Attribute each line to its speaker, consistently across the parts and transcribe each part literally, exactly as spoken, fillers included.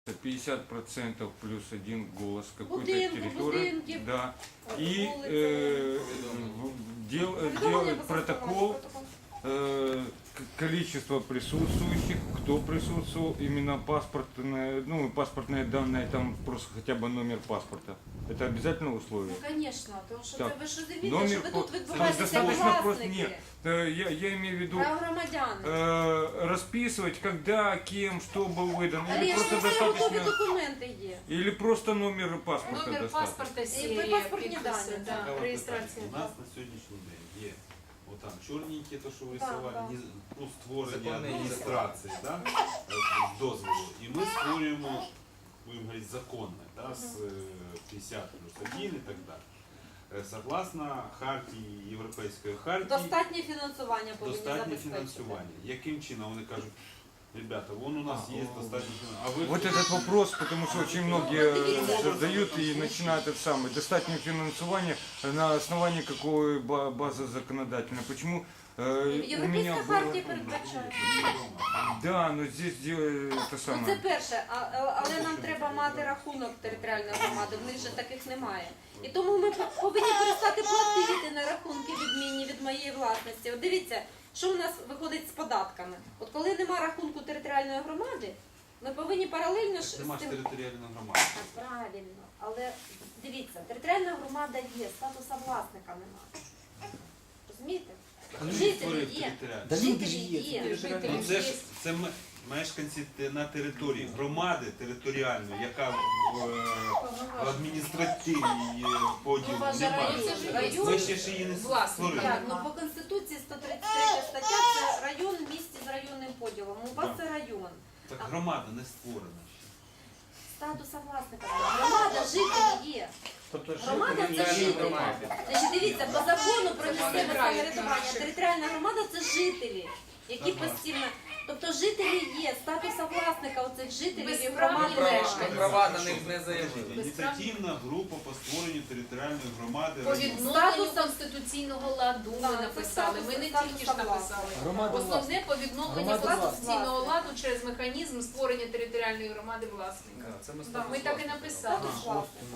Speaker 1: пятьдесят процентов плюс один голос какой-то
Speaker 2: Будинку,
Speaker 1: территории.
Speaker 2: будинки,
Speaker 1: Да. И
Speaker 2: улицы.
Speaker 1: э, в- дел, делать протокол, э, к- количество присутствующих, кто присутствовал, именно паспортные, ну, паспортные данные, там просто хотя бы номер паспорта. Это обязательное условие.
Speaker 2: Ну, конечно, тому що
Speaker 1: Так.
Speaker 2: це ви ж розумієте,
Speaker 1: Номер
Speaker 2: що ви
Speaker 1: по-
Speaker 2: тут
Speaker 1: Це
Speaker 2: відбуваєтеся
Speaker 1: достаточно просто,
Speaker 2: власники,
Speaker 1: нет, э, я, я имею в виду
Speaker 2: прав громадян.
Speaker 1: э, расписывать, когда, кем, что был выдан, или
Speaker 2: Але ж
Speaker 1: просто
Speaker 2: це готові
Speaker 1: достаточно,
Speaker 2: документи є.
Speaker 1: или просто номер паспорта
Speaker 3: Номер
Speaker 1: достаточно.
Speaker 3: паспорта, серія,
Speaker 2: паспортні
Speaker 3: підписи,
Speaker 2: дані,
Speaker 3: да,
Speaker 4: Цікаве
Speaker 3: реєстрація.
Speaker 4: питання. У нас на сьогоднішній день є отам чорненькі, то що ви
Speaker 2: Да,
Speaker 4: рисували,
Speaker 2: да.
Speaker 4: ні- ну, створення
Speaker 5: Законний
Speaker 4: адміністрації, да, з дозволу. І ми створюємо, будемо говорити, законне, да, з е, п'ятдесят плюс один і так далі. Е, Согласно хартії, Європейської хартії,
Speaker 2: Достатнє фінансування повинні
Speaker 4: достатнє
Speaker 2: забезпечити.
Speaker 4: фінансування. Яким чином? Вони кажуть, ребята, вон у нас
Speaker 1: А,
Speaker 4: є
Speaker 1: о,
Speaker 4: достатньо фінансування. А ви
Speaker 1: Вот этот вопрос, потому что очень многие
Speaker 2: Ну, вот видите.
Speaker 1: э, задают и начинают это самое, достатнее финансование на основании какой ба- базы законодательной. Почему э, у
Speaker 2: Європейська
Speaker 1: меня
Speaker 2: хартія
Speaker 1: было...
Speaker 2: передбачає.
Speaker 1: Да, но здесь дело- это
Speaker 2: Ну, це
Speaker 1: самое.
Speaker 2: перше, а- а- але нам треба мати рахунок територіальної громади, в них же таких немає. І тому ми повинні перестати платити на рахунки відмінні від моєї власності. От дивіться, що в нас виходить з податками. От коли нема рахунку територіальної громади, ми повинні паралельно ж з
Speaker 4: нема ж
Speaker 2: тим...
Speaker 4: територіальної громади.
Speaker 2: А, правильно, але дивіться, територіальна громада є, статуса власника немає. Розумієте?
Speaker 4: Хто
Speaker 2: Жителі
Speaker 4: створив
Speaker 2: є.
Speaker 4: територіальну?
Speaker 5: Да люди
Speaker 2: Жителі
Speaker 5: ж є,
Speaker 2: є.
Speaker 5: це
Speaker 4: Ну, це ж це м- мешканці те- на території громади територіальної, яка в, е, в адміністративній е, поділу
Speaker 2: Ну, вважаю,
Speaker 4: немає.
Speaker 2: це ж
Speaker 4: Ми
Speaker 2: район.
Speaker 4: ще ж її не
Speaker 3: Власник.
Speaker 4: створили.
Speaker 2: Так, ну по Конституції сто тридцять третя стаття це район в місті з районним поділом. У вас
Speaker 4: Так.
Speaker 2: це район.
Speaker 4: Так громада не створена ще.
Speaker 2: Статуса власника. Громада, жителі є.
Speaker 5: Тобто
Speaker 2: Громада це жителі. Значить, дивіться, по закону про місцеве самоврядування територіальна громада це жителі, які постійно. Тобто жителі є, статуса власника оцих жителів і
Speaker 3: Безправні
Speaker 2: громади
Speaker 3: мешканці.
Speaker 2: мешканців.
Speaker 5: Права на них не заявили.
Speaker 4: Ініціативна група по створенню територіальної громади.
Speaker 3: По
Speaker 4: району.
Speaker 3: відновленню
Speaker 2: Статусом-
Speaker 3: конституційного ладу ми
Speaker 2: Так,
Speaker 3: написали. Ми не
Speaker 2: статус-
Speaker 3: тільки ж
Speaker 2: статус
Speaker 3: написали.
Speaker 5: Громада
Speaker 3: Основне по відновленню
Speaker 5: Громада
Speaker 3: конституційного
Speaker 2: власна.
Speaker 3: ладу через механізм створення територіальної громади власника.
Speaker 5: Це ми
Speaker 2: Да,
Speaker 3: Ми так і написали.
Speaker 2: Статус власника.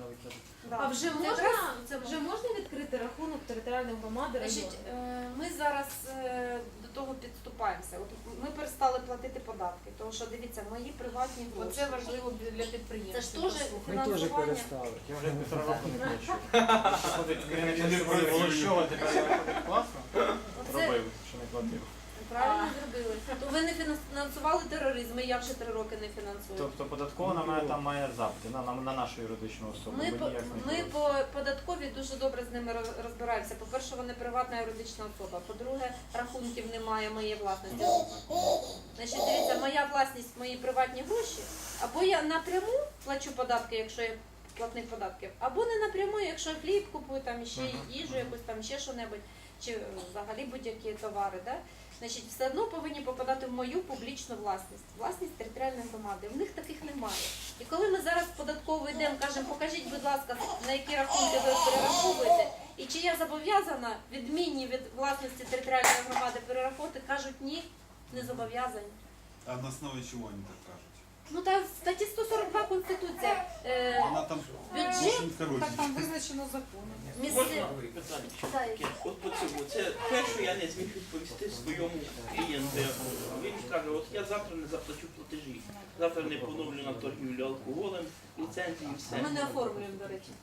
Speaker 2: Да.
Speaker 6: А вже
Speaker 2: Це
Speaker 6: можна,
Speaker 2: якраз це
Speaker 6: вже можна відкрити рахунок територіальної громади
Speaker 2: Значить,
Speaker 6: району?
Speaker 2: е, ми зараз е, до того підступаємося. От ми перестали платити податки, тому що дивіться, мої приватні гроші.
Speaker 3: Оце важливо для
Speaker 2: Це
Speaker 3: підприємців.
Speaker 2: ж теж
Speaker 3: послухати.
Speaker 5: Ми теж
Speaker 2: фінансування.
Speaker 5: перестали.
Speaker 7: Я вже півтора року не плачу. Ходить керівник Волощова, тепер я ходить класно.
Speaker 2: Оце
Speaker 7: Робив, що не платив.
Speaker 2: правильно зробили. То ви не фінансували тероризм, і я вже три роки не фінансую.
Speaker 7: Тобто податкова на мене там має запити, на, на, на нашу юридичну особу.
Speaker 2: Ми,
Speaker 7: бо
Speaker 2: по,
Speaker 7: ніяк не
Speaker 2: ми
Speaker 7: було.
Speaker 2: по податковій дуже добре з ними роз- розбираємося. По-перше, вони приватна юридична особа. По-друге, рахунків немає моєї власності. Значить, дивіться, моя власність, мої приватні гроші, або я напряму плачу податки, якщо я платник податків, або не напряму, якщо я хліб купую, там ще їжу, якусь там ще що-небудь, чи взагалі будь-які товари. Да? Значить, все одно повинні попадати в мою публічну власність, власність територіальної громади. В них таких немає. І коли ми зараз в податкову йдемо, кажемо, покажіть, будь ласка, на які рахунки ви перераховуєте, і чи я зобов'язана відмінні від власності територіальної громади перераховувати, кажуть, ні, не зобов'язані.
Speaker 4: А на основі чого вони так кажуть?
Speaker 2: Ну та в статті сто сорок два Конституція. Е,
Speaker 4: Вона там
Speaker 2: бюджет,
Speaker 4: дуже коротенька.
Speaker 6: Так там визначено законом.
Speaker 2: місце...
Speaker 8: Можна питання? Таке, От по цьому, це те, що я не зміг відповісти своєму клієнту. Він каже, от я завтра не заплачу платежі, завтра не поновлю на торгівлю алкоголем, ліцензії і все.
Speaker 2: Ми не оформлюємо, до речі.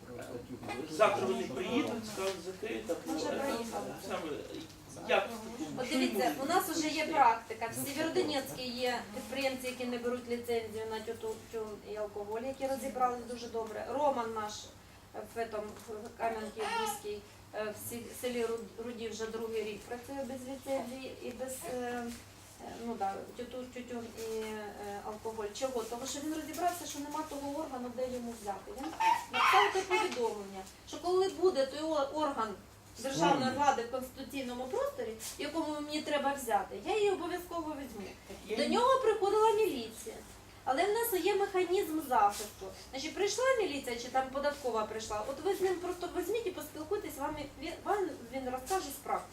Speaker 8: Завтра вони приїдуть, скажуть закрита.
Speaker 2: Вже приїхали.
Speaker 8: Саме, як в такому?
Speaker 2: От дивіться, у нас вже є практика. В Сєвєродонецькій є підприємці, які не беруть ліцензію на тютюн і алкоголь, які розібрались дуже добре. Роман наш в этом, в Кам'янки-Бузькій, в сі- селі Руд- Руді вже другий рік працює без ліцензії і без е, е, ну, да, тютюн, тютюн і е, алкоголь. Чого? Тому що він розібрався, що нема того органу, де йому взяти. Він написав те повідомлення, що коли буде той о- орган державної влади в конституційному просторі, якому мені треба взяти, я її обов'язково візьму. До нього приходила міліція. Але в нас є механізм захисту. Значить, прийшла міліція чи там податкова прийшла, от ви з ним просто візьміть і поспілкуйтесь, вам він, вам він розкаже з практики.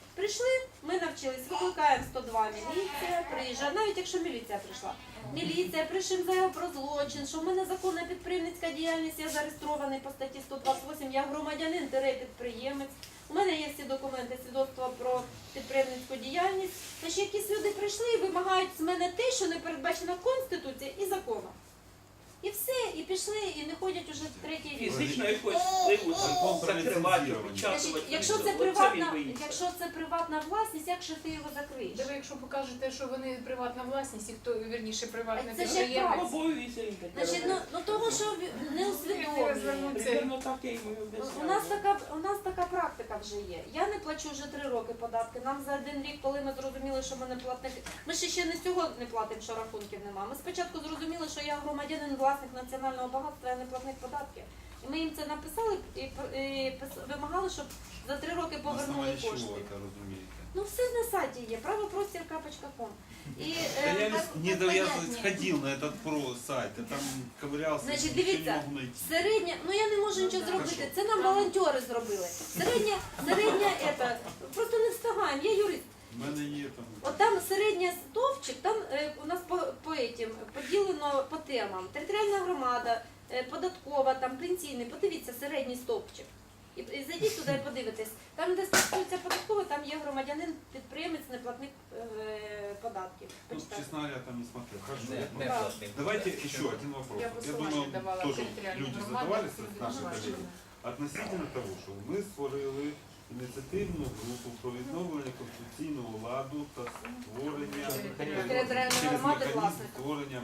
Speaker 2: Прийшли, ми навчились, викликаємо сто два міліція, приїжджає, навіть якщо міліція прийшла. Міліція, пишемо заяву про злочин, що в мене законна підприємницька діяльність, я зареєстрований по статті сто двадцять вісім, я громадянин, підприємець. У мене є всі документи, свідоцтва про підприємницьку діяльність. Значить, якісь люди прийшли і вимагають з мене те, що не передбачено Конституцією і законом. І все, і пішли, і не ходять уже третій рік.
Speaker 8: Фізично якось впливу
Speaker 4: Закон
Speaker 8: там
Speaker 4: про
Speaker 8: закривати,
Speaker 4: ліцензування.
Speaker 8: опечатувати.
Speaker 2: Значить, якщо це
Speaker 8: Оце
Speaker 2: приватна,
Speaker 8: він боїться.
Speaker 2: якщо це приватна власність, як же ти його закриєш?
Speaker 3: Де ви, якщо покажете, що вони приватна власність, і хто, вірніше, приватний
Speaker 2: А це ж
Speaker 3: підприємець.
Speaker 8: Обов'язки він таке
Speaker 2: Значить, ну,
Speaker 8: робить.
Speaker 2: ну того, що ви- не усвідомлює.
Speaker 8: Примерно так я йому і
Speaker 2: У
Speaker 8: об'ясняю.
Speaker 2: нас така у нас така практика вже є. Я не плачу вже три роки податки. Нам за один рік, коли ми зрозуміли, що ми не платники, ми ще ще не цього не платимо, що рахунків немає. Ми спочатку зрозуміли, що я громадянин, власник національного багатства, я не платник податків. І ми їм це написали і, і пис- вимагали, щоб за три роки
Speaker 4: На
Speaker 2: повернули
Speaker 4: основании чего
Speaker 2: кошти.
Speaker 4: это разумеете?
Speaker 2: Ну все на сайті є, правопростір крапочка ком. І
Speaker 4: Да
Speaker 2: е,
Speaker 4: я
Speaker 2: так-
Speaker 4: не,
Speaker 2: так
Speaker 4: я
Speaker 2: понятнее.
Speaker 4: ходил на этот про сайт, я там ковырялся,
Speaker 2: Значить,
Speaker 4: ничего
Speaker 2: дивіться,
Speaker 4: не могу найти.
Speaker 2: середня, ну я не можу нічого
Speaker 3: да.
Speaker 2: зробити, це нам волонтери зробили. Середня, середня, ета, просто не встигаємо, я юрист.
Speaker 4: У мене є там.
Speaker 2: От там середня стовпчик, там е, у нас по, по етім поділено по темам. Територіальна громада, е, податкова, там пенсійний. Подивіться середній стовпчик. І, і зайдіть туди і подивитесь. Там, де стосується податкова, там є громадянин, підприємець, неплатник е, податків.
Speaker 4: Ну,
Speaker 2: Почитайте.
Speaker 4: честно говоря, там не смотрел. Хорошо.
Speaker 7: Не,
Speaker 4: я
Speaker 7: не
Speaker 2: Да.
Speaker 7: платний.
Speaker 4: Давайте еще один вопрос.
Speaker 3: Я
Speaker 4: Я
Speaker 3: посилання
Speaker 4: думаю,
Speaker 3: давала
Speaker 4: тоже
Speaker 3: територіальні
Speaker 4: люди
Speaker 3: громади,
Speaker 4: задавались,
Speaker 3: люди
Speaker 4: наши
Speaker 3: задавали.
Speaker 4: коллеги. Относительно того, що ми створили ініціативну групу про відновлення конституційного ладу та створення
Speaker 2: Територіальної
Speaker 4: через
Speaker 2: громади
Speaker 4: механізм
Speaker 2: власника.
Speaker 4: створення.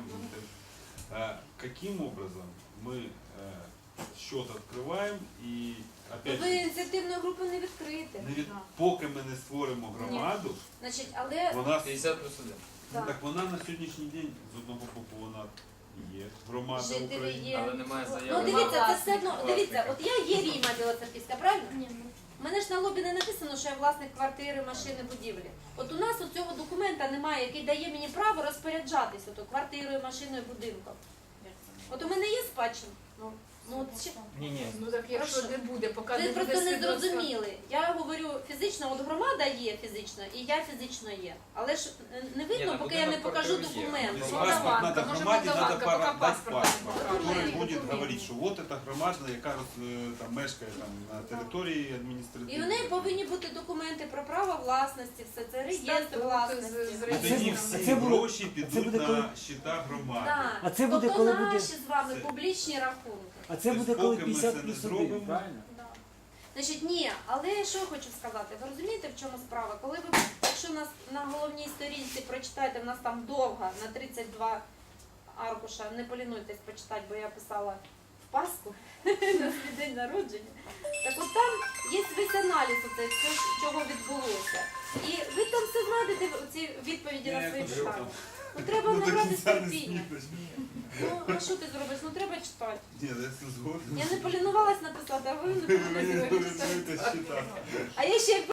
Speaker 4: Е, Каким образом ми е, счет відкриваємо і опять
Speaker 2: Ви ініціативної групи не відкрите.
Speaker 4: не від, поки ми не створимо громаду,
Speaker 2: Значить, але
Speaker 4: вона
Speaker 7: п'ятдесят плюс один.
Speaker 2: так,
Speaker 4: так вона на сьогоднішній день з одного боку вона є громада
Speaker 2: жителі
Speaker 4: України.
Speaker 2: є.
Speaker 7: Але немає
Speaker 2: Ну
Speaker 7: заяви.
Speaker 2: дивіться, це все одно,
Speaker 7: власника.
Speaker 2: дивіться, от я є Ріма Білоцерківська, правильно? Ні. У мене ж на лобі не написано, що я власник квартири, машини, будівлі. От у нас у цього документа немає, який дає мені право розпоряджатись ото квартирою, машиною, будинком. От у мене є спадщина. Ну, ну от ще
Speaker 7: Ні, ні.
Speaker 3: Ну так якщо
Speaker 2: Хорошо.
Speaker 3: не буде, поки
Speaker 2: ви
Speaker 3: не буде
Speaker 2: просто не
Speaker 3: свідоцтва.
Speaker 2: зрозуміли. Я говорю фізично, от громада є фізично, і я фізично є. Але ж е, не
Speaker 7: Ні,
Speaker 2: видно,
Speaker 7: на
Speaker 2: поки я не
Speaker 7: будинок
Speaker 2: покажу
Speaker 7: квартиру є.
Speaker 2: документ.
Speaker 4: Если
Speaker 3: Ну,
Speaker 4: паспорт
Speaker 3: Молдаванка,
Speaker 4: надо
Speaker 3: може,
Speaker 4: громаде, надо
Speaker 3: Молдаванка,
Speaker 4: пара-
Speaker 3: поки
Speaker 4: дать
Speaker 3: паспорт
Speaker 4: паспорт,
Speaker 3: не
Speaker 4: который
Speaker 3: покажуть.
Speaker 4: будет
Speaker 3: Документи.
Speaker 4: говорить, що вот эта громада, яка е, там мешкає там на території
Speaker 2: І
Speaker 4: адміністративної.
Speaker 2: в неї повинні бути документи про право власності, все це реєстр
Speaker 3: Статут
Speaker 2: власності.
Speaker 3: з- з
Speaker 4: І
Speaker 3: реєстром.
Speaker 4: тоді
Speaker 5: А
Speaker 4: всі
Speaker 5: це буде-
Speaker 4: гроші
Speaker 5: це
Speaker 4: підуть
Speaker 5: буде
Speaker 4: на
Speaker 5: коли-
Speaker 4: щита громади.
Speaker 2: Так.
Speaker 5: А це буде,
Speaker 2: тобто
Speaker 5: коли
Speaker 2: наші
Speaker 5: буде-
Speaker 2: з вами
Speaker 4: Це-
Speaker 2: публічні рахунки.
Speaker 5: А це
Speaker 4: Тобто
Speaker 5: буде коли
Speaker 4: поки ми це
Speaker 5: п'ятдесят
Speaker 4: не
Speaker 5: плюс
Speaker 4: зробимо,
Speaker 5: один, правильно?
Speaker 2: Да. Значить, ні, але що я хочу сказати, ви розумієте, в чому справа? Коли ви, якщо нас на головній сторінці прочитаєте, в нас там довга, на тридцять два аркуша, не полінуйтесь почитати, бо я писала в Пасху на свій день народження. Так от там є весь аналіз оце, все, чого відбулося. І ви там все знайдете, ці відповіді на свої питання. Ну треба
Speaker 4: Ну, до
Speaker 2: набрати
Speaker 4: кінця не
Speaker 2: терпіння.
Speaker 4: знімеш.
Speaker 2: Ну, а що ти зробиш? Ну треба читати.
Speaker 4: Ні, я це згоден.
Speaker 2: Я не полінувалась написати, а ви не
Speaker 4: Мені
Speaker 2: полінувалися.
Speaker 4: це щита.
Speaker 2: А я ще